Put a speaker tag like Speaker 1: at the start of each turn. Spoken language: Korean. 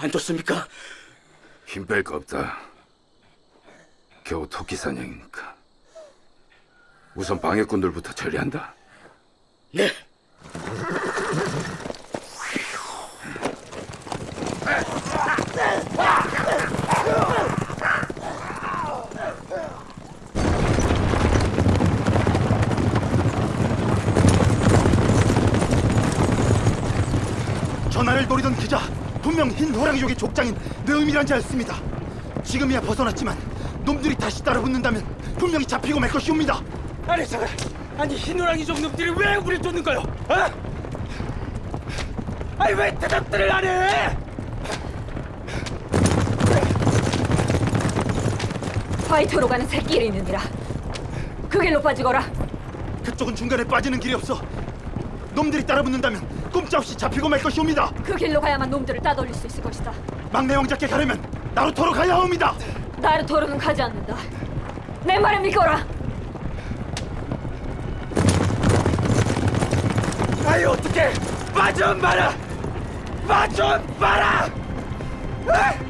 Speaker 1: 안 좋습니까?
Speaker 2: 힘 뺄 거 없다. 겨우 토끼 사냥이니까. 우선 방해꾼들부터 처리한다.
Speaker 1: 네.
Speaker 3: 전하를 노리던 기자, 분명 흰 호랑이족의 족장인 느음이란 자였습니다. 지금이야 벗어났지만 놈들이 다시 따라붙는다면 분명히 잡히고 말 것이옵니다.
Speaker 1: 아니 잠깐. 아니 흰호랑이족 놈들이 왜 우리 쫓는 거요? 어? 아니 왜 대답들을 안 해?
Speaker 4: 화이트로 가는 새길이 있느니라. 그 길로 빠지거라.
Speaker 3: 그쪽은 중간에 빠지는 길이 없어. 놈들이 따라붙는다면 꼼짝없이 잡히고 말 것이옵니다.
Speaker 4: 그 길로 가야만 놈들을 따돌릴 수 있을 것이다.
Speaker 3: 막내 왕자께 가려면 나루토로 가야 합니다.
Speaker 4: 나루토로는 가지 않는다. 내 말을 믿거라.
Speaker 1: 아이 어떻게? 빠좀 마라! 빠좀 마라! 아!